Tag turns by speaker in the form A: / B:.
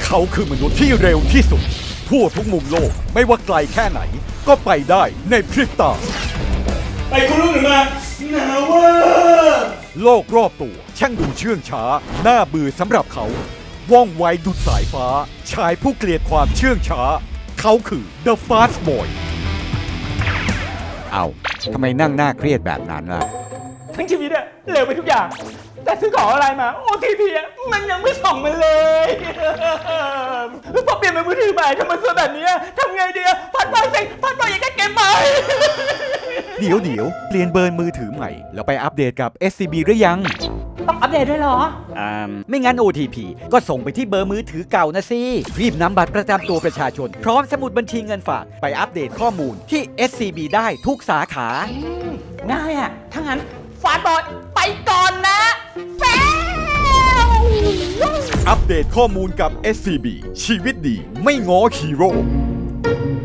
A: เขาคือมนุษย์ที่เร็วที่สุดทั่วทุกมุมโลกไม่ว่าไกลแค่ไหน ก็ไปได้ในพริบตา
B: ไปคุณรู้หรือมาหนาวว่า
A: โลกรอบตัวช่างดูเชื่องช้าน่าเบื่อสำหรับเขา ว่องไวดุจสายฟ้า ชายผู้เกลียดความเชื่องช้า เขาคือ The Fast Boy
C: เอาทำไมนั่งหน้าเครียดแบบนั้นล่ะ
B: ทั้งชีวิตอะเร็วไปทุกอย่าง แต่ซื้อของอะไรมา OTP อะมันยังไม่ส่งมาเลยพอเปลี่ยนเป็นมือถือใหม่ทำไมซื้อแบบนี้ทำไงดีอะพัดไปสิพัดไปอยากได้เกมใหม่
A: เดี๋ยวเปลี่ยนเบอร์มือถือใหม่ แล้วไปอัปเดตกับ SCB หรือยัง
B: ต้องอัปเดตด้วยเหรอ
C: ไม่งั้น OTP ก็ส่งไปที่เบอร์มือถือเก่านะสิ รีบนำบัตรประจำตัวประชาชน พร้อมสมุดบัญชีเงินฝาก ไปอัปเดตข้อมูลที่ SCB ได้ทุกสาขา
B: ง่ายอะถ้างั้นฟาดบอยไปก่อนนะแฟว
A: อัปเดตข้อมูลกับ SCB ชีวิตดีไม่ง้อฮีโร่